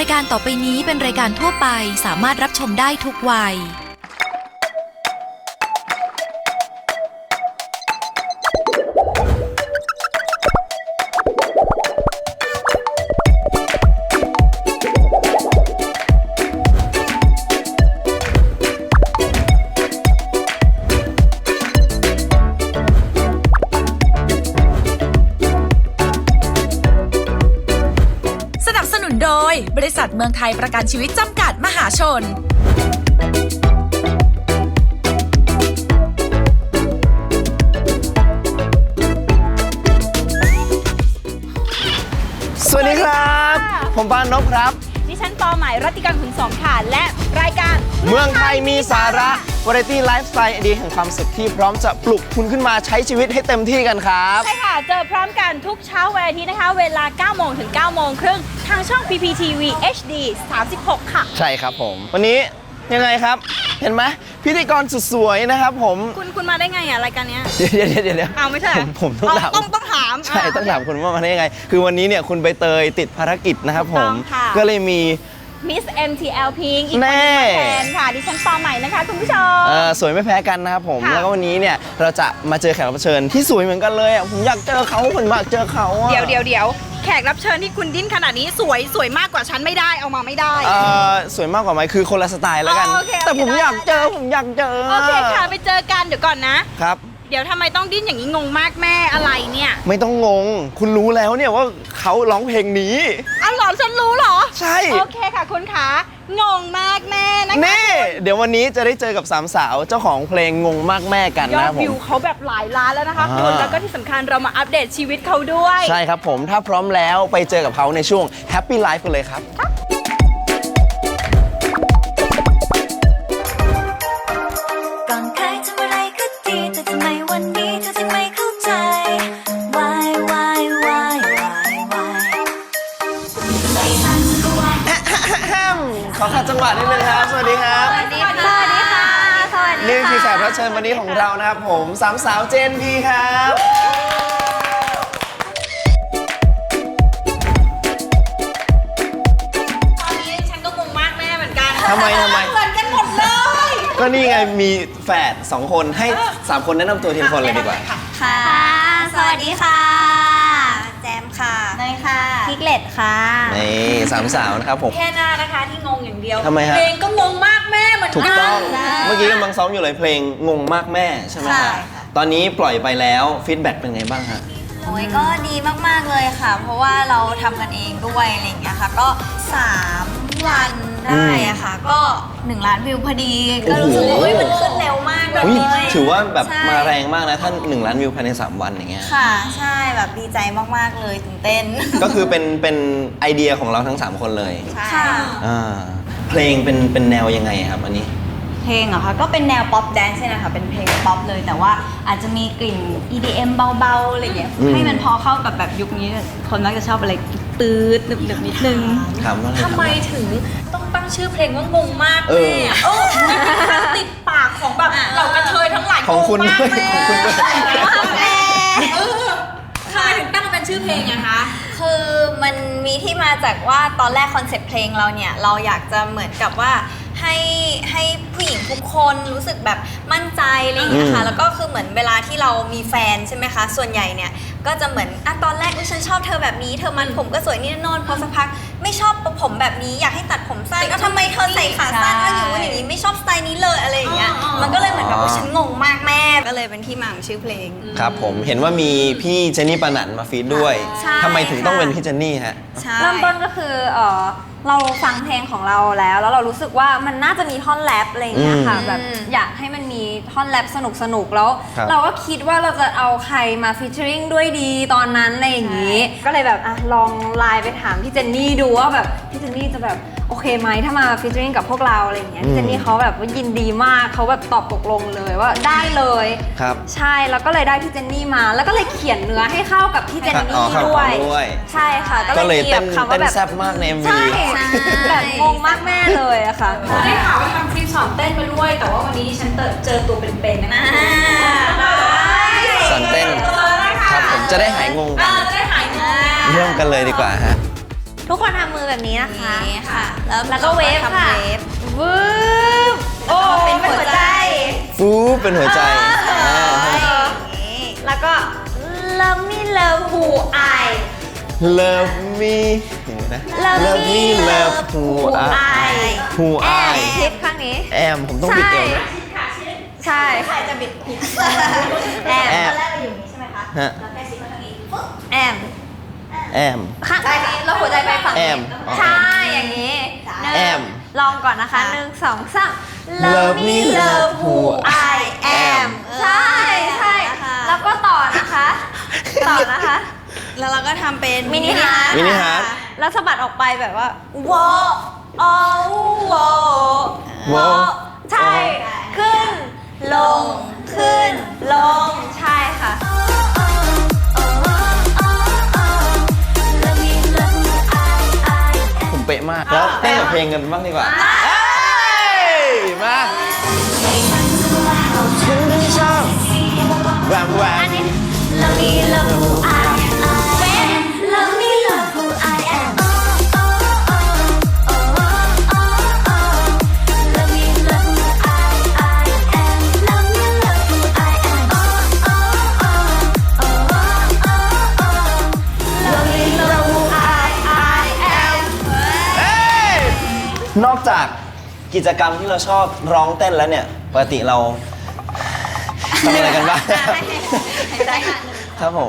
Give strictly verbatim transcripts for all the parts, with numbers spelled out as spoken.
ายการต่อไปนี้เป็นรายการทั่วไปสามารถรับชมได้ทุกวัยโดยบริษัทเมืองไทยประกันชีวิตจำกัดมหาชนสวัสดีครับผมปานนพครับดิฉันปอใหม่รัติการขุนสองค่ะและรายการเมืองไทยมีสาระวาไรตี้ไลฟ์สไตล์ไอเดียแห่งความสุขที่พร้อมจะปลุกคุณขึ้นมาใช้ชีวิตให้เต็มที่กันครับใช่ค่ะเจอพร้อมกันทุกเช้าวันอาทิตย์นะคะเวลาเก้าโมงถึงเก้าโมงครึ่งทางช่อง พี พี ที วี เอช ดี สามสิบหกค่ะใช่ครับผมวันนี้ยังไงครับเห็นไหมพิธีกรสุดสวยนะครับผมคุณคุณมาได้ไงอ่ะรายการเนี้ยเดี๋ยวเดี๋ยวเดี๋ยวเอาไม่ใช่ผมผมต้องถามต้องต้องถามใช่ต้องถามคุณว่ามาได้ยังไงคือวันนี้เนี่ยคุณใบเตยติดภารกิจนะครับผมก็เลยมีมิส เอ็ม ที แอล Pink อีกคนนึงมาแทนค่ะดิฉันปอใหม่นะคะคุณผู้ชมเออสวยไม่แพ้กันนะครับผมแล้วก็วันนี้เนี่ยเราจะมาเจอแขกรับเชิญที่สวยเหมือนกันเลยอ่ะผมอยากเจอเขาผมอยากเจอเขาเดี๋ยวเดี๋ยวเดี๋ยวแขกรับเชิญที่คุณดิ้นขนาดนี้สวยสวยมากกว่าฉันไม่ได้เอามาไม่ได้เออสวยมากกว่าไหมคือคนละสไตล์แล้วกันแต่ผมอยากเจอผมอยากเจอโอเคค่ะไปเจอกันเดี๋ยวก่อนนะครับเดี๋ยวทำไมต้องดิ้นอย่างนี้งงมากแม่อะไรเนี่ยไม่ต้องงงคุณรู้แล้วเนี่ยว่าเขาร้องเพลงนี้อ้าวหรอฉันรู้เหรอใช่โอเคค่ะคุณขางงมากแม่นะคะนี่เดี๋ยววันนี้จะได้เจอกับสามสาวเจ้าของเพลงงงมากแม่กันนะผมยอดวิวเขาแบบหลายล้านแล้วนะคะคุณแล้วก็ที่สำคัญเรามาอัปเดตชีวิตเขาด้วยใช่ครับผมถ้าพร้อมแล้วไปเจอกับเขาในช่วง Happy Life กันเลยครับก่อนเคยทำอะไรก็ดีแต่ทำไมวันนี้เธอถึงไม่เข้าใจ Why Why Why Why Why ขอขัดจังหวะนิดนึงครับสวัสดีครับสวัสดีค่ะสวัสดีค่ะสวัสดีนี่คือแขกรับเชิญวันนี้ของเรานะครับผมสามสาวเจนพีครับตอนนี้ฉันก็งงมากแม่เหมือนกันทำไมทำไมเหมือนกันหมดเลยก็นี่ไงมีแฝดสองคนให้สามคนแนะนำตัวทีละคนเลยดีกว่าค่ะสวัสดีค่ะแจมค่ะเนยค่ะพิกเลตค่ะนี่สามสาวนะครับผมแค่หน้านะคะที่งงอย่างเดียวทำไมฮะเพลงก็งงมากแม่เหมือนกันถูกต้องเมื่อกี้กำลังซ้อมอยู่เลยเพลงงงมากแม่ใช่ไหมคะตอนนี้ปล่อยไปแล้วฟีดแบ็กเป็นไงบ้างฮะโอ้ยก็ดีมากๆเลยค่ะเพราะว่าเราทำกันเองด้วยอะไรอย่างเงี้ยค่ะก็สามวันได้อะค่ะก็หนึ่งล้านวิวพอดีก็รู้สึกว่าเฮ้ยมันขึ้นเร็วมากเลยถือว่าแบบมาแรงมากนะท่านหนึ่งล้านวิวภายในสามวันอย่างเงี้ยค่ะใช่แบบดีใจมากๆเลยตื่นเต้นก็คือเป็นเป็นไอเดียของเราทั้งสามคนเลยใช่อ่าเพลงเป็นเป็นแนวยังไงครับอันนี้เพลงเหรอคะก็เป็นแนวป๊อปแดนซ์นะคะเป็นเพลงป๊อปเลยแต่ว่าอาจจะมีกลิ่น อี ดี เอ็ม เบาๆอะไรอย่างเงี้ยให้มันพอเข้ากับแบบยุคนี้คนมักจะชอบอะไรตืดหนึบๆนิดนึงทำไมถึงต้องตั้งชื่อเพลงว่างงมากแม่เออติดปากของแบบเหล่ากระเทยทั้งหลายของคุณด้วยของคุณด้วยทำไมถึงตั้งเป็นชื่อเพลงอะคะคือมันมีที่มาจากว่าตอนแรกคอนเซ็ปต์เพลงเราเนี่ยเราอยากจะเหมือนกับว่าให้ให้ผู้หญิงทุกคนรู้สึกแบบมั่นใจอะไรอย่างเงี้ยค่ะแล้วก็คือเหมือนเวลาที่เรามีแฟนใช่ไหมคะส่วนใหญ่เนี่ยก็จะเหมือนอ่ะตอนแรกฉันชอบเธอแบบนี้เธอมันผมก็สวยนี่นอนพอสักพักไม่ชอบผมแบบนี้อยากให้ตัดผมสั้นแล้วทำไมเธอใส่ขาสั้นก็อยู่อย่างนี้ไม่ชอบสไตล์นี้เลยอะไรอย่างเงี้ยมันก็เลยเหมือนแบบว่าฉันงงมากแม่ก็เลยเป็นที่มาของชื่อเพลงครับผมเห็นว่ามีพี่เจนนี่ปานันมาฟีดด้วยทำไมถึงต้องเป็นพี่เจนนี่ฮะเริ่มต้นก็คือเออเราฟังเพลงของเราแล้วแล้วเรารู้สึกว่ามันน่าจะมีท่อนแรปอะไรอย่างเงี้ยค่ะแบบอยากให้มันมีท่อนแรปสนุกสนุกแล้วเราก็คิดว่าเราจะเอาใครมาฟีเจอริงด้วยดีตอนนั้นอะไรอย่างงี้ก็เลยแบบอ่ะลองไลน์ไปถามพี่เจนนี่ดูว่าแบบพี่เจนนี่จะแบบโอเคไหมถ้ามาฟีเจอริงกับพวกเราอะไรอย่างเงี้ยพี่เจนนี่เขาแบบว่ายินดีมากเขาแบบตอบตกลงเลยว่าได้เลยครับใช่แล้วก็เลยได้พี่เจนนี่มาแล้วก็เลยเขียนเนื้อให้เข้ากับพี่เจนนี่ด้วยใช่ค่ะก็เลยเต้นเต้นแซ่บมากใน เอ็ม วีใช่แบบงงมากแม่เลยอะค่ะได้ข่าวว่าทำคลิปสอนเต้นมาด้วยแต่ว่าวันนี้ฉันเจอตัวเป็นๆนะสอนเต้นครับผมจะได้หายงงกันจะได้หายงงเริ่มกันเลยดีกว่าฮะทุกคนทำมือแบบนี้นะคะนี่ค่ะแล้วก็เวฟค่ะทำเวฟวืบโอ้เป็นหัวใจฟูเป็นหัวใจอ่าแล้วก็ love me love who I Love me อย่างนี้นะ Love me love who I who แอ I มทิปข้างนี้แอมผมต้องบิดเอวนะใช่ใครจะบิดผิดแอมแอมตอนแรกเราอยู่อย่างนี้ใช่ไหมคะฮะเราแค่ซิปมาทางนี้ปุ๊บแอมแอมข้างใช่แล้วหัวใจไปฝั่งแอนี้มอ๋อใช่อย่างนี้หนึ่งแอมลองก่อนนะคะค่ะหนึ่งสองสาม Love me love who I am ใช่ใช่แล้วก็ต่อนะคะ ต่อนะคะแล้วเราก็ทำเป็นมินิฮาร์ทมินิฮาร์ทแล้วสะบัดออกไปแบบว่าวอโอวอวอใช่ ขึ้น ลง ขึ้น ลง ใช่ค่ะผมเป๊ะมาก แล้วเต้นกับเพลงกันบ้างดีกว่าเอ้ยมาฉันไม่ชอบแหวมแหวม Love me, love who I am. Love me, love who I am. Oh, oh, oh, oh, oh, oh. Love me, love who I, I am. Love me, love who I am. Oh, oh, oh, oh, oh, oh, oh. Love me, love who I, I am. เอ้ยนอกจากกิจกรรมที่เราชอบร้องเต้นแล้วเนี่ย ปกติเราทำอะไรกันบ้าง ครับผม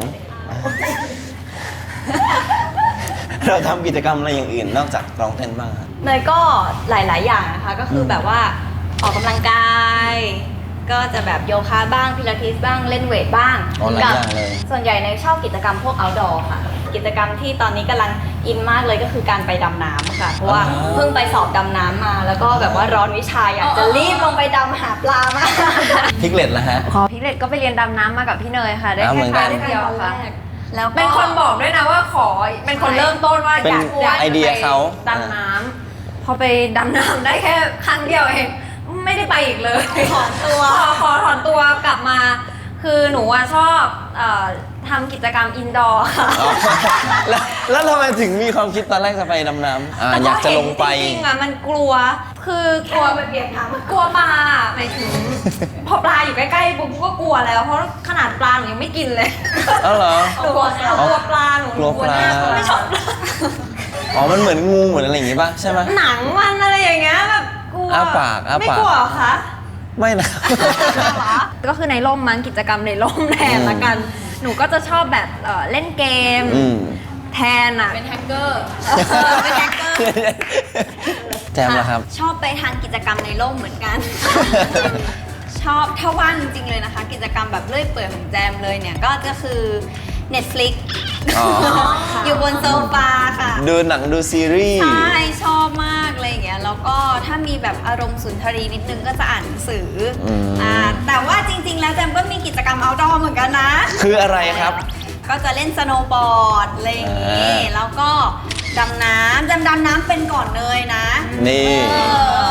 เราทำกิจกรรมอะไรอย่างอื่นนอกจากร้องเต้นบ้างครับเนยก็หลาย ๆ อย่างนะคะ ก็คือแบบว่าออกกำลังกาย ก็จะแบบโยคะบ้างพิลาทิสบ้างเล่นเวทบ้างอ๋อหลายอย่างเลยส่วนใหญ่เนยชอบกิจกรรมพวก outdoor ค่ะ กิจกรรมที่ตอนนี้กำลังอินมากเลยก็คือการไปดำน้ำค่ะ เพราะว่าเพิ่งไปสอบดำน้ำมา แล้วก็แบบว่าร้อนวิชาอยากจะรีบลงไปดำหาปลามากพิกเล็ตแล้วฮะขอพิกเลตก็ไปเรียนดำน้ำมากับพี่เนยค่ะ ได้อ่าเหมืแค่อนกันครั้งเดียวค่ะแล้วก็เป็นคนบอกด้วยนะว่าขอ เป็นคนเริ่มต้นว่าเป็นอยากอยากไอเดียเขาไปดำน้ำพอไปดำน้ำได้แค่ครั้งเดียวเอง ไม่ได้ไปอีกเลยถอนตัวขอขอถอนตัวกลับมา คือหนูอะชอบเอ่อทำกิจกรรมอินดอร์ค่ะอ๋อแล้วแล้วทำไมถึงมีความคิดตอนแรกจะไปดำน้ำอ่าอยากจะลงไปจริงๆอะมันกลัว คือกลัวไปเปียกน้ำกลัวปลาหมายถึง พอปลาอยู่ใกล้ๆปุ๊บก็กลัวแล้ว เพราะขนาดปลาหนูยังไม่กินเลยเอ้าเหรอหนูกลัวหนูกลัวปลาหนูกลัวปลาไม่ชอบปลาอ๋อ มันเหมือนงูเหมือนอะไรอย่างงี้ป่ะใช่ไหมหนังมันอะไรอย่างเงี้ยแบบกลัวอ้าปากอ้าปากไม่กลัวเหรอคะไม่นะก็คือในร่มมั้งกิจกรรมในร่มแทนละกัน หนูก็จะชอบแบบเอ่อเล่นเกมอืมแทนอ่ะเป็นแฮกเกอร์เป็นแฮกเกอร์แจมละครับชอบไปทานกิจกรรมในร่มเหมือนกัน ชอบถ้าว่างจริงๆเลยนะคะ กิจกรรมแบบเลื่อยเปื่อยของแจมเลยเนี่ย ก็จะคือ Netflix อ๋ออยู่บนโซฟาค่ะดูหนังดูซีรีส์ใช่ชอบมากอะไรอย่างเงี้ยแล้วก็ถ้ามีแบบอารมณ์สุนทรีนิดนึงก็จะอ่านหนังสืออมอ่าแต่ว่าจริง ๆ แล้วแจมก็มีกิจกรรม outdoor เหมือนกันนะคืออะไรครับก็จะเล่นสโนว์บอร์ดอะไรอย่างงี้อ่าแล้วก็ดำน้ำจำดำน้ำเป็นก่อนเลยนะนี่เอ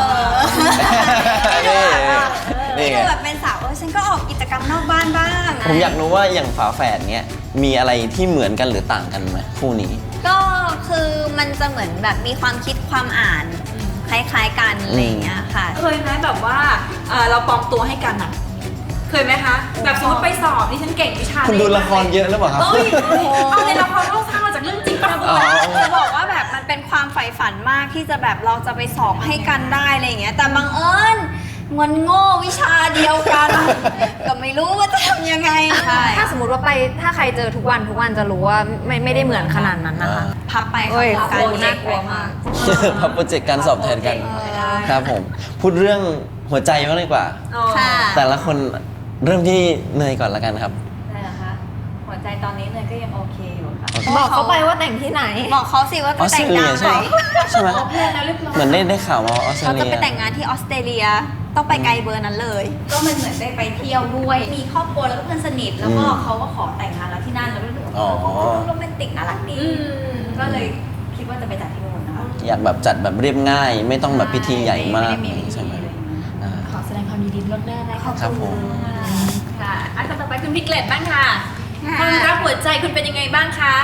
อนี่นี่นี่ไงดูแบบเป็นสาวเออฉันก็ออกกิจกรรมนอกบ้านบ้างผมอยากรู้ว่าอย่างฝาแฝดเนี้ยมีอะไรที่เหมือนกันหรือต่างกันไหมคู่นี้ก็คือมันจะเหมือนแบบมีความคิดความอ่านคล้ายๆกันอะไรอย่างเงี้ยค่ะเคยไหมแบบว่าเอ่อเราปลอมตัวให้กันอะเคยไหมคะ แบบสมมติไปสอบนี่ฉันเก่งวิชาคุณดูละครเยอะหรือเปล่าครับเอ้ยเอาในละครต้องสร้างมาจากเรื่องจริงปะอ๋อจะบอกว่าแบบมันเป็นความใฝ่ฝันมากที่จะแบบเราจะไปสอบให้กันได้อะไรอย่างเงี้ยแต่บังเอิญมันโง่วิชาเดียวกัน ก็ไม่รู้ว่าจะทำยังไงใช่ถ้าสมมติว่าไปถ้าใครเจอทุกวันทุกวันจะรู้ว่าไม่ไม่ได้เหมือนขนาดนั้นนะคะพับไปโอ้ยค่ะกลัวน่ากลัวมากพับโปรเจกต์การสอบแทนกัน ครับผม พูดเรื่องหัวใจบ้างดีกว่าค่ะแต่ละคนเริ่มที่เนยก่อนละกันครับได้เหรอคะหัวใจตอนนี้เนยก็ยังโอเคอยู่ค่ะบอกเขาไปว่าแต่งที่ไหนบอกเขาสิว่าอจะอสเตแต่รง เลีงาย นใช่ไหมใช่ไหมเพื่อนแล้วเรียบร้อยเหมือนได้ได้ข่าวมาว่าออสเตรเขาเลีจะยไปแต่งงานที่ออสเตรเลียต้องไปไกลเบอร์นั้นเลยก็มันเหมือนได้ไปเที่ยวด้วย มีครอบครัวแล้วก็เพื่อนสนิท แล้วก็อืมเขาก็ขอแต่งงานแล้วที่นั่นแล้วก็รู้สึกว่าอ๋อโรแมนติกน่ารักดีก็เลยคิดว่าจะไปจัดที่นู่นนะคะอยากแบบจัดแบบเรียบง่าย ไม่ต้องแบบพิธีใหญ่มากไได้พิธีใช่ไหมอะไรอย่างเงี้ยอ่าขอแสดงความยินดีล่วงหน้านะคะครับผมค่ะอันต่อไปคุณพิกเลตบ้างค่ะค่ะความรักหัวใจคุณเป็นยังไงบ้างคะ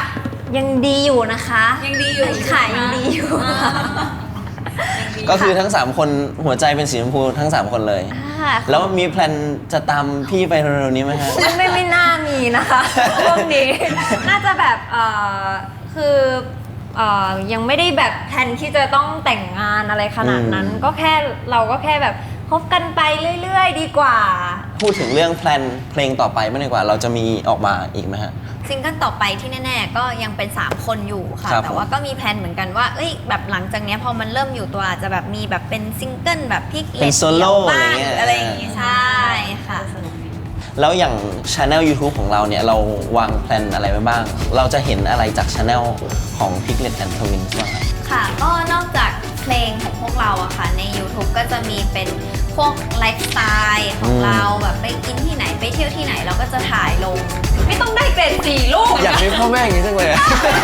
ยังดีอยู่นะคะยังดีอยู่ค่ะยังดีอยู่ค่ะก็คือทั้งสามคนหัวใจเป็นสีชมพูทั้งสามคนเลยค่ะแล้วมีแพลนจะตามพี่ไปเร็วๆนี้ไหมฮะไม่ไม่ไม่น่ามีนะคะพวกนี้ น่าจะแบบเอ่อคือเอ่อยังไม่ได้แบบแทนที่จะต้องแต่งงานอะไรขนาดนั้นอืมก็แค่เราก็แค่แบบคบกันไปเรื่อยๆ ดีกว่าพูดถึงเรื่องแพลนเพลงต่อไปไม่ดีกว่าเราจะมีออกมาอีกไหมฮะซิงเกิลต่อไปที่แน่ๆก็ยังเป็นสามคนอยู่ค่ะครับแต่ว่าก็มีแพลนเหมือนกันว่าเอ้ยแบบหลังจากเนี้ยพอมันเริ่มอยู่ตัวอาจจะแบบมีแบบเป็นซิงเกิลแบบพิกเป็นโซโล่บ้างอะไรเงี้ยอะไรอย่างงี้ใช่ค่ะแล้วอย่างช anel YouTube ของเราเนี่ยเราวางแพลนอะไรไว้บ้าง เราจะเห็นอะไรจากช anel ของ Piglet and Twins บ้างครับค่ะก็นอกจากเพลงของพวกเราอะค่ะใน YouTube ก็จะมีเป็นพวกไลฟ์สไตล์ของอืมเราแบบไปกินที่ไหนไปเที่ยวที่ไหนเราก็จะถ่ายลงไม่ต้องได้เกรดสี่ลูกอยากมีพ่อแม่อย่างนี้จังเลยอะ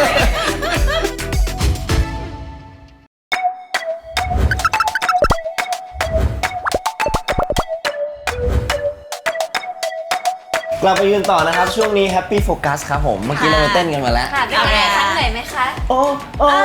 กลับไปยืนต่อนะครับ ช่วงนี้ Happy Focus ครับผม เมื่อกี้เราไปเต้นกันมาแล้วค่ะเป็นไงคะเหนื่อยไหมคะโอ้โอ้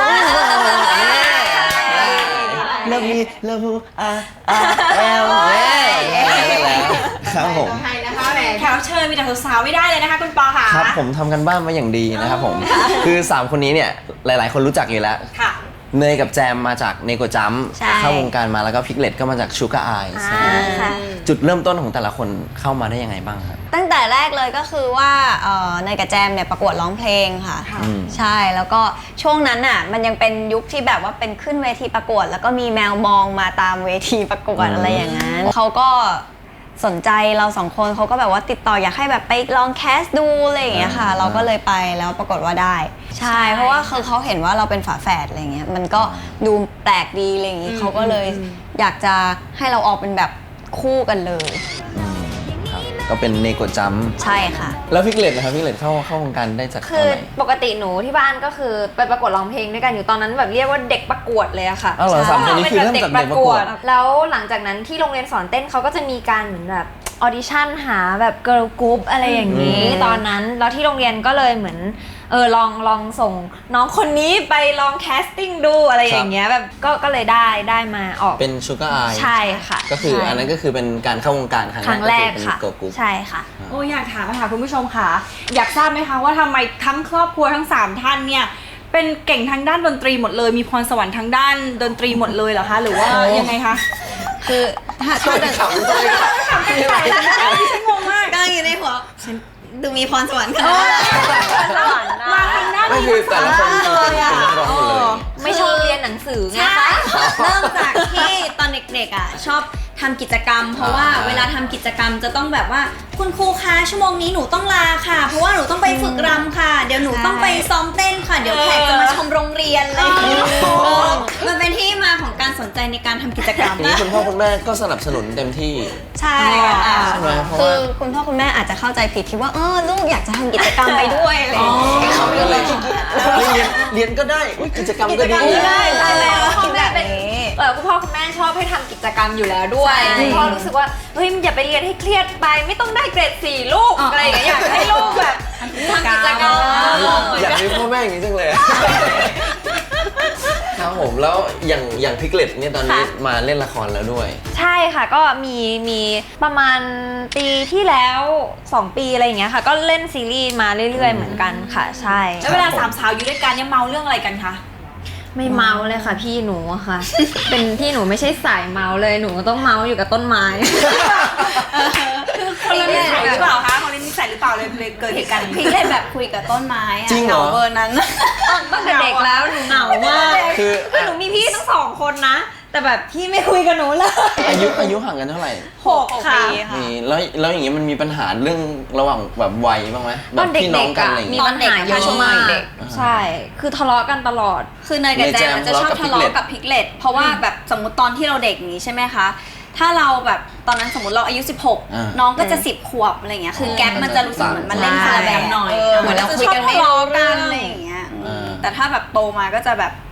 เลิฟมีเลิฟฮูอาอาเอลเว้ยแล้วครับผมใช่นะคะแหมแขกรับเชิญมีแต่สาวๆไม่ได้เลยนะคะคุณปอค่ะครับผมทำกันบ้านมาอย่างดีนะครับผม คือ สาม คนนี้เนี่ย หลาย ๆ คนรู้จักอยู่แล้วค่ะเนยกับแจมมาจากเนโกจัมใช่เข้าวงการมาแล้วก็พิกเลตก็มาจากชูการ์ไอส์อ่าค่ะจุดเริ่มต้นของแต่ละคนเข้ามาได้ยังไงบ้างครับตั้งแต่แรกเลยก็คือว่าเอ่อในกับแจมเนี่ยประกวดร้องเพลงค่ะอืมใช่แล้วก็ช่วงนั้นน่ะมันยังเป็นยุคที่แบบว่าเป็นขึ้นเวทีประกวด แล้วก็มีแมวมองมาตามเวทีประกวดอืมอะไรอย่างนั้นเขาก็สนใจเราสองคนเขาก็แบบว่าติดต่ออยากให้แบบไปลองแคสดูอะไรอย่างเงี้ยค่ะ เราก็เลยไปแล้วปรากฏว่าได้ ใช่ เพราะว่าคือเขาเห็นว่าเราเป็นฝาแฝดอะไรเงี้ยมันก็ดูแปลกดีอะไรอย่างงี้เขาก็เลยอยากจะให้เราออกเป็นแบบคู่กันเลยครับก็เป็นเนโกจัมใช่ค่ะแล้วพิกเลตนะครับพิกเลตเข้าเข้าวงการได้จากตคืออนไหนปกติหนูที่บ้านก็คือไปประกวดร้องเพลงด้วยกันอยู่ตอนนั้นแบบเรียกว่าเด็กประกวดเลยอะค่ะอ้าวเหรอสามคนนี้คือเริ่มจากเด็กประกวดแล้วหลังจากนั้นที่โรงเรียนสอนเต้นเขาก็จะมีการเหมือนแบบออดิชั่นหาแบบเกิร์ลกรุ๊ปอะไรอย่างนี้อืมตอนนั้นแล้วที่โรงเรียนก็เลยเหมือนเออลองลองส่งน้องคนนี้ไปลองแคสติ้งดูอะไรอย่างเงี้ยแบบก็ก็เลยได้ได้มาออกเป็นชูการ์ไอส์ใช่ค่ะก็คือใช่อันนั้นก็คือเป็นการเข้าวงการครั้งครั้งแรกก็ค่ะคือเป็นเกิร์ลกรุ๊ปใช่ค่ะโอ้อยากถามค่ะคุณผู้ชมค่ะ อยากทราบไหมคะว่าทำไมทั้งครอบครัวทั้งสามท่านเนี่ยเป็นเก่งทางด้านดนตรีหมดเลย มีพรสวรรค์ทางด้านดนตรีหมดเลยเหรอคะหรือว่ายังไงคะคือถ้าถ้าเดินขำด้วยดิฉันงงมากกำลังอยู่ในหัวฉันดูมีพรสวรรค์ขนาดนั้นมาทางด้านก็นี้คือแต่ละคนคือเป็นนักร้องหมดเลยไม่ชอบเรียนหนังสือไงใช่คะเริ่มจากที่ตอนเด็กๆอ่ะชอบทำกิจกรรม เพราะว่าอ่าเวลาทำกิจกรรมจะต้องแบบว่าคุณครูคะชั่วโมงนี้หนูต้องลาค่ะ เพราะว่าหนูต้องไปฝึกรำค่ะ เดี๋ยวหนูต้องไปซ้อมเต้นค่ะ เดี๋ยวแขกจะมาชมโรงเรียนอะไรอย่างเงี้ยเออมันเป็นที่มาของการสนใจในการทำกิจกรรมอย่างนี้คุณพ่อคุณแม่ก็สนับสนุนเต็มที่ใช่ค่ะใช่ไหมเพราะคืว่าอคุณพ่อคุณแม่อาจจะเข้าใจผิดคิดว่าเออลูกอยากจะทำกิจกรรมไปด้วยอะไรอย่างเงี้ยเขาก็เลยเรียนเรียนก็ได้อุ๊ยกิจกรรมก็ดีได้ใช่แล้วคิคุดณแบแม่บเป็นนี้เออคุณพ่อคุณแม่ชอบให้ทำกิจกรรมอยู่แล้วด้วยใช่คุณพ่อรู้สึกว่าเฮ้ยอย่าไปเรียนให้เครียดไปไม่ต้องได้เกรดสี่ลูกอะไรอย่างเงี้ยอยากให้ลูกแบบทำกิจกรรมอยากมีพ่อแม่อย่างนี้จังเลย ครับผมแล้วอย่างอย่างพิกเลตเนี่ยตอนนี้มาเล่นละครแล้วด้วยใช่ค่ะก็มีมีประมาณปีที่แล้วสองปีอะไรอย่างเงี้ยค่ะก็เล่นซีรีส์มาเรื่อยๆเหมือนกันค่ะใช่แล้วเวลาสามสาวอยู่ด้วยกันเนี่ยเมาเรื่องอะไรกันคะไม่เมาเลยค่ะพี่หนูอะค่ะ เป็นพี่หนูไม่ใช่สายเมาเลยหนูต้องเมาอยู่กับต้นไม้คนละนิสัยหรือเปล่าคะคนละนิสัยหรือเปล่าเลยเลยเกิดเหตุการณ์อย่างพินี้กเลยแบบคุยกับต้นไม้อะจริงเหรอเบอร์นั้นตั้งแต่เด็กแล้วหนูเหงามากคือคือหนูมีพี่ทั้งสองคนนะ แต่แบบพี่ไม่คุยกับหนูเลยอายุอายุห่างกันเท่าไหร่หกค่ะนี่แล้วแล้วอย่างนี้มันมีปัญหาเรื่องระหว่างแบบวัยบ้างไหมแบตอบ นเด็พี่น้อก งๆกันอะอะไรอย่างมีเงี้ยปัญหาเยอะมากใช่ คือทะเลาะกันตลอดคือเนยกับแจมจะชอบทะเลาะกับพิกเลตเพราะว่าแบบสมมติตอนที่เราเด็กอย่างนี้ใช่ไหมคะ ถ้าเราแบบตอนนั้นสมมติเราอายุสิบหกอ่าน้องก็จะสิบขวบอะไรเงี้ยคือแก๊ปมันจะรู้สึกเหมือนมันเล่นคนละแบบหน่อยเออเหมือนเราคุยกันไม่รู้เรื่องอะไรอย่างเงี้ยอ่าแต่ถ้าแบบโตมาก็จะแบบ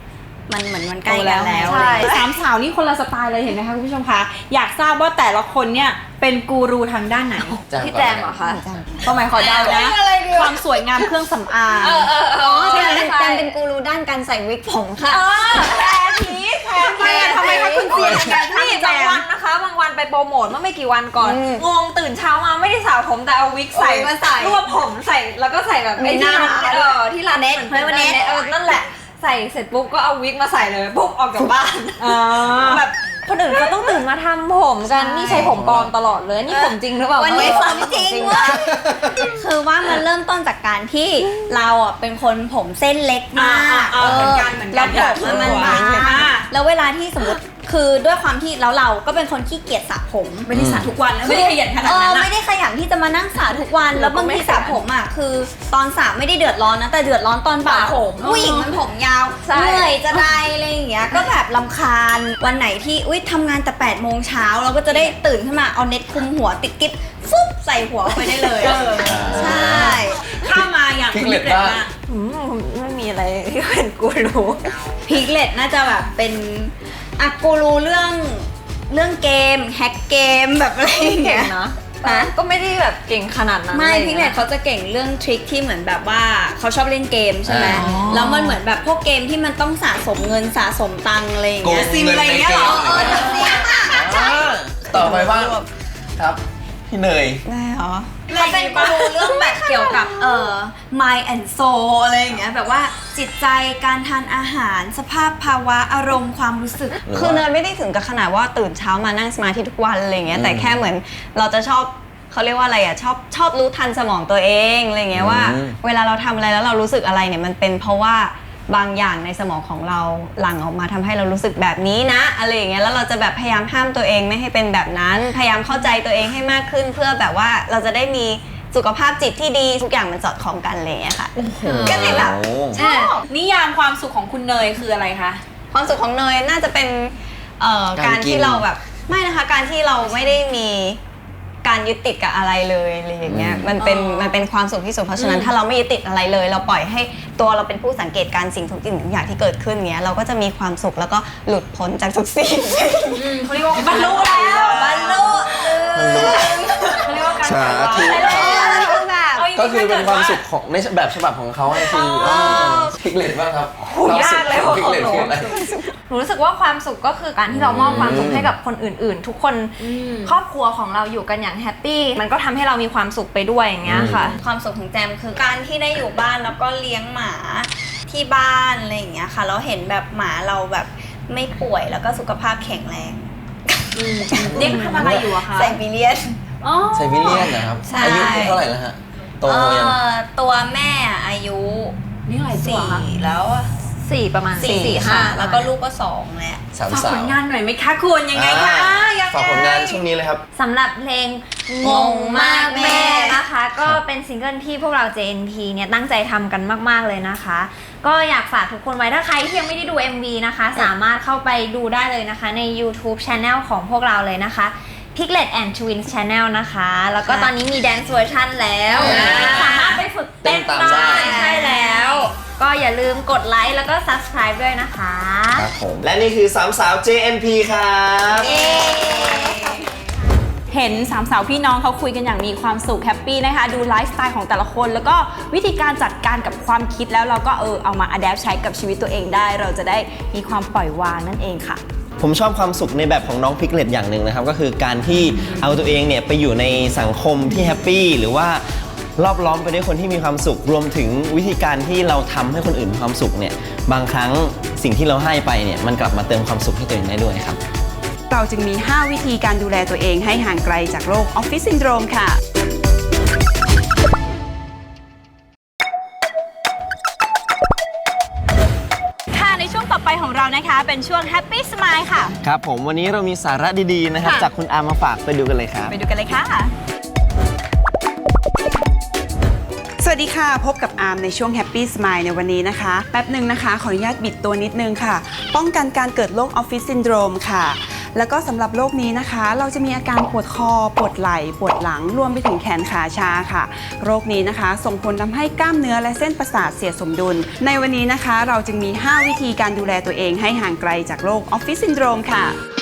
มันเหมือนมันใกล้กันแล้วใช่สามสาวนี่คนละสไตล์เลยเห็นไหมคะคุณผู้ชมคะอยากทราบว่าแต่ละคนเนี่ยเป็นกูรูทางด้านไหนพี่แจมเหรอคะก็หมายขอเดานะความสวยงามเครื่องสำอางอ๋อใช่ใช่ไหมแจมเป็นกูรูด้านการใส่วิกผมค่ะแพรผีแพรผีทำไมคะคุณเซียนในการนี่ทำแจบางมวันนะคะ บางวันไปโปรโมทเมื่อไม่กี่วันก่อนอืมงงตื่นเช้ามาไม่ได้สระผมแต่เอาวิกใส่เอาวิกมาใส่รวบผมใส่แล้วก็ใส่แบบมีไอ้หที่น้ามันเออที่ร้านเน็ตหมือเฮ้ยวันเน็ตเออนั่นแหละใส่เสร็จปุ๊บก็เอาวิกมาใส่เลยปุ๊บออกจากบ้านอ่าแบบคนอื่นเขาต้องตื่นมาทำผมกันนี่ใช้ผมปลอมตลอดเลยนี่ผมจริงหรือเปล่าวันนี้เออผมจริงเว่าคือว่ามันเริ่มต้นจากการที่เราอ่ะเป็นคนผมเส้นเล็กมากอ่าๆๆเหมือนกันเหมือนกันแล้วผมมันบางอ่าแล้วเวลาที่สมมติคือด้วยความที่แล้วเราก็เป็นคนขี้เกียจสระผมไม่ได้สระทุกวันแล้วไม่ได้ขยันขนาดเอนั้อนอะไม่ได้ขยันที่จะมานั่งสระทุกวันแล้วบางทีสระผมอ่ะคือตอนสระไม่ได้เดือดร้อนนะแต่เดือดร้อนตอนบ่าผมผู้หญิงมันผมยาวใช่เหนื่อยจะได้อะไรอย่างเงี้ยก็แบบลำคาญวันไหนที่อุ้ยทำงานแต่แปดโมงเช้าเราก็จะได้ตื่นขึ้นมาเอาเน็ตคลุมหัวติดกิ๊บฟุ๊บใส่หัวไปได้เลยเออใช่ข้ามมาอย่างพิคุกณเล็นิตดเด็ดบ้างมากอืมไม่มีอะไรที่เป็นกูรูพิกเลตน่าจะแบบเป็นอะกูรู้เรื่องเรื่องเกมแฮกเกมแบบอะไรอย่างเก่เงี้งยนะฮะก็ไม่ได้แบบเก่งขนาดนั้นไม่อะรพิกอเลย่างตงี้ยเขาจะเก่งเรื่องทริคที่เหมือนแบบว่าเขาชอบเล่นเกมใช่ไหมอ๋อแล้วมันเหมือนแบบพวกเกมที่มันต้องสะสมเงินสะสมตังค์อะไรอย่างเงี้ยโกงเงินในเกมเออจะเสียอ่าต่อไปบ้างครับ พี่เนยได้เหรอเขาเป็นกูรูเรื่องแบบเกี่ยวกับเอ่อ mind and soul อะไรอย่างเงี้ยแบบว่าจิตใจการทานอาหารสภาพภาวะอารมณ์ความรู้สึกหรือว่าคือเนยไม่ได้ถึงกับขนาดว่าตื่นเช้ามานั่งสมาธิทุกวันอะไรเงี้อืยมแต่แค่เหมือนเราจะชอบเขาเรียกว่าอะไรอ่ะชอบชอบรู้ทันสมองตัวเองอะไรเงี้ยว่าอืมเวลาเราทำอะไรแล้วเรารู้สึกอะไรเนี่ยมันเป็นเพราะว่าบางอย่างในสมองของเราหลั่งออกมาทำให้เรารู้สึกแบบนี้นะอะไรอย่างเงี้ยแล้วเราจะแบบพยายามห้ามตัวเองไม่ให้เป็นแบบนั้นพยายามเข้าใจตัวเองให้มากขึ้น เพื่อแบบว่าเราจะได้มีสุขภาพจิตที่ดีทุกอย่างมันสอดคล้องกันอะไรเงี้ยค่ะก็เลยแบบโอ้ชอบนิยามความสุขของคุณเนยคืออะไรคะความสุขของเนยน่าจะเป็นเอ่อการการกินที่เราแบบไม่นะคะการที่เราไม่ได้มีการยึดติดกับอะไรเลยอะไรอย่างเงี้ยมันเป็นมันเป็นความสุขที่สุดเพราะฉะนั้นถ้าเราไม่ยึดติดอะไรเลย เราปล่อยให้ตัวเราเป็นผู้สังเกตการสิ่งทุกสิ่งทุกอย่างที่เกิดขึ้นเงี้ยเราก็จะมีความสุขแล้วก็หลุดพ้นจากทุกสิ่งเขาเรียกว่าบรรลุแล้วบรรลุเขาเรียกว่าการสาปล่อยวางธุไปแล้วแบบก็คือเป็นความสุขของในแบบฉบับของเขาไงคือพิกเลตบ้างครับยากเลยพิกเลตคืออะไรหนูรู้สึกว่าความสุขก็คือการที่เรามอบความสุขให้กับคนอื่น ๆ ทุกคนครอบครัวของเราอยู่กันอย่างแฮปปี้มันก็ทำให้เรามีความสุขไปด้วยอย่างเงี้ยค่ะความสุขของแจมคือการที่ได้อยู่บ้านแล้วก็เลี้ยงหมาที่บ้านอะไรอย่างเงี้ยค่ะเราเห็นแบบหมาเราแบบไม่ป่วยแล้วก็สุขภาพแข็งแรงเด็กทำอะไรอยู่อะคะไซบีเรียนอ๋อไซบีเรียนนะครับใช่อายุเท่าไหร่แล้วฮะ โตเอ่ยังอตัวแม่อายุนี่อะไรตัวสี่คะแล้วอะสี่ประมาณสี่สี่ค่ะห้าแล้วก็ลูกก็สองแล้วสามฝากสาผวลงานหน่อยไหมคะคุณยังไงคะอ่ายังไงฝากผลงานช่วงนี้เลยครับสำหรับเพลงงงมากแม่นะคะ ก็เป็นซิงเกิลที่พวกเรา เจ เอ็น พี เนี่ยตั้งใจทำกันมาก ๆ เลยนะคะ ก็อยากฝากทุกคนไว้ถ้าใครที่ยังไม่ได้ดู เอ็ม วี นะคะ สามารถเข้าไปดูได้เลยนะคะใน YouTube Channel ของพวกเราเลยนะคะ Piglet and Twins Channel นะคะ แล้วก็ตอนนี้มี Dance Version แล้ว สามารถไปฝึกเต้นเต้นตามได้ได้ใช่แล้ว ก็อย่าลืมกดไลค์แล้วก็ Subscribe ด้วยนะคะครับผม และนี่คือสามสาว เจ เอ็น พี ครับเห็นสามสาวพี่น้องเขาคุยกันอย่างมีความสุขแฮปปี้นะคะ ดูไลฟ์สไตล์ของแต่ละคน แล้วก็วิธีการจัดการกับความคิดแล้วเราก็เออเอามาอัดแอปใช้กับชีวิตตัวเองได้ เราจะได้มีความปล่อยวางนั่นเองค่ะผมชอบความสุขในแบบของน้องพิกเลตอย่างหนึ่งนะครับ ก็คือการที่เอาตัวเองเนี่ยไปอยู่ในสังคมที่แฮปปี้หรือว่ารอบล้อมไปด้วยคนที่มีความสุข รวมถึงวิธีการที่เราทำให้คนอื่นมีความสุขเนี่ยบางครั้งสิ่งที่เราให้ไปเนี่ยมันกลับมาเติมความสุขให้ตัวเองได้ด้วยครับเราจึงมี ห้า วิธีการดูแลตัวเองให้ห่างไกลจากโรคออฟฟิศซินโดรมค่ะค่ะในช่วงต่อไปของเรานะคะ เป็นช่วง Happy Smile ค่ะครับผมวันนี้เรามีสาระดีๆนะครับค่ะจากคุณอามาฝากไปดูกันเลยครับไปดูกันเลยค่ะสวัสดีค่ะ พบกับอาร์มในช่วง Happy Smile ในวันนี้นะคะ แป๊บหนึ่งนะคะ ขออนุญาตบิดตัวนิดนึงค่ะ ป้องกันการเกิดโรคออฟฟิศซินโดรมค่ะแล้วก็สำหรับโรคนี้นะคะ เราจะมีอาการปวดคอปวดไหล่ปวดหลังรวมไปถึงแขนขาชาค่ะโรคนี้นะคะส่งผลทำให้กล้ามเนื้อและเส้นประสาทเสียสมดุลในวันนี้นะคะเราจึงมีห้าวิธีการดูแลตัวเองให้ห่างไกลจากโรคออฟฟิศซินโดรมค่ะ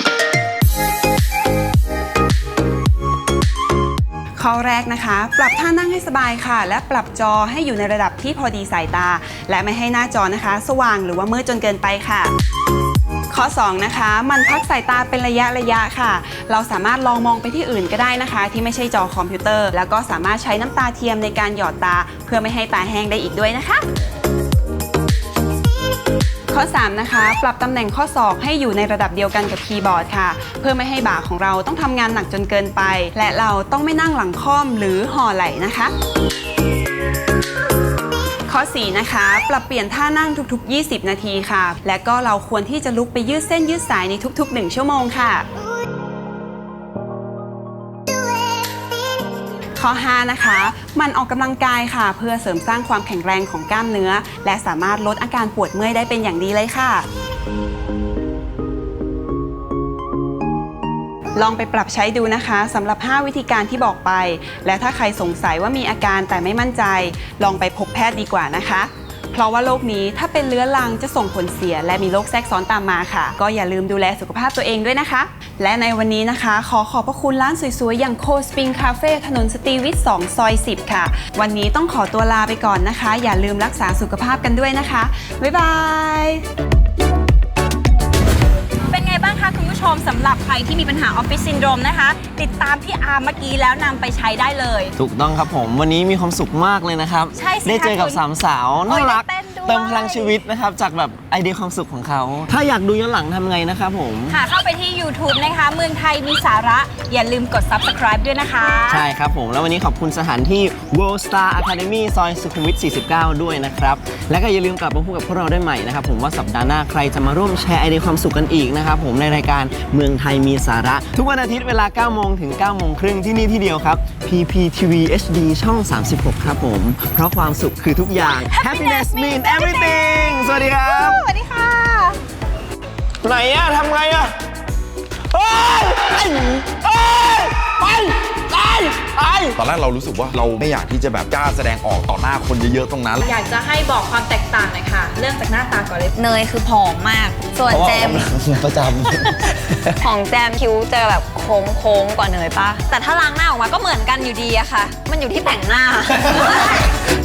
ข้อแรกนะคะปรับท่านั่งให้สบายค่ะและปรับจอให้อยู่ในระดับที่พอดีสายตาและไม่ให้หน้าจอนะคะสว่างหรือว่ามืดจนเกินไปค่ะข้อสองนะคะมันพักสายตาเป็นระยะระยะค่ะเราสามารถลองมองไปที่อื่นก็ได้นะคะที่ไม่ใช่จอคอมพิวเตอร์แล้วก็สามารถใช้น้ำตาเทียมในการหยอดตาเพื่อไม่ให้ตาแห้งได้อีกด้วยนะคะข้อสามนะคะปรับตำแหน่งข้อศอกให้อยู่ในระดับเดียวกันกับคีย์บอร์ดค่ะเพื่อไม่ให้บ่าของเราต้องทำงานหนักจนเกินไปและเราต้องไม่นั่งหลังค่อมหรือห่อไหล่นะคะข้อสี่นะคะปรับเปลี่ยนท่านั่งทุกๆยี่สิบนาทีค่ะและก็เราควรที่จะลุกไปยืดเส้นยืดสายในทุกๆหนึ่งชั่วโมงค่ะข้อห้านะคะมันออกกำลังกายค่ะเพื่อเสริมสร้างความแข็งแรงของกล้ามเนื้อและสามารถลดอาการปวดเมื่อยได้เป็นอย่างดีเลยค่ะลองไปปรับใช้ดูนะคะสำหรับห้าวิธีการที่บอกไปและถ้าใครสงสัยว่ามีอาการแต่ไม่มั่นใจลองไปพบแพทย์ดีกว่านะคะเพราะว่าโรคนี้ถ้าเป็นเรื้อรังจะส่งผลเสียและมีโรคแทรกซ้อนตามมาค่ะก็อย่าลืมดูแลสุขภาพตัวเองด้วยนะคะและในวันนี้นะคะขอขอบพระคุณร้านสวยๆอย่างโคสปริงคาเฟ่ถนนสตรีวิทย์สองซอยสิบค่ะวันนี้ต้องขอตัวลาไปก่อนนะคะอย่าลืมรักษาสุขภาพกันด้วยนะคะบ๊ายบายเป็นไงบ้างคะคุณผู้ชมสำหรับใครที่มีปัญหาออฟฟิศซินโดรมนะคะติดตามพี่อาร์มเมื่อกี้แล้วนำไปใช้ได้เลยถูกต้องครับผมวันนี้มีความสุขมากเลยนะครับใช่สิคะได้เจอกับสามสาวน่ารักโอ้ยได้เต้นด้วยเติมพลังชีวิตนะครับจากแบบไอเดียความสุขของเขาถ้าอยากดูย้อนหลังทำไงนะครับผมค่ะเข้าไปที่ YouTube นะคะเมืองไทยมีสาระอย่าลืมกด Subscribe ด้วยนะคะใช่ครับผมแล้ววันนี้ขอบคุณสถานที่ World Star Academy ซอยสุขุมวิทสี่สิบเก้าด้วยนะครับและก็อย่าลืมกลับมาพบกับพวกเราได้ใหม่นะครับผมว่าสัปดาห์หน้าใครจะมาร่วมแชร์ไอเดียความสุขกันอีกนะครับผมในรายการเมืองไทยมีสาระทุกวันอาทิตย์เวลาเก้าโมงถึงเก้าโมงครึ่งที่นี่ที่เดียวครับ พี พี ที วี เอช ดี ช่องสามสิบหกครับผมเพราะความสุขคือทุกอย่าง Happiness means everything สวัสดีครับสวัสดีค่ะไหนอะทำไงอะเฮ้ยไอ้เฮ้ยไปไปไปตอนแรกเรารู้สึกว่าเราไม่อยากที่จะแบบกล้าแสดงออกต่อหน้าคนเยอะๆตรงนั้นอยากจะให้บอกความแตกต่างหน่อยค่ะเริ่มจากหน้าตาก่อนเลยเนยคือผอมมาก ส่วนเพราะว่าแจออกมกำลังประจของแจมคิ้วจะแบบโค้งๆกว่าเนยปะแต่ถ้าล้างหน้าออกมาก็เหมือนกันอยู่ดีอะค่ะ มันอยู่ที่แต่งหน้าำ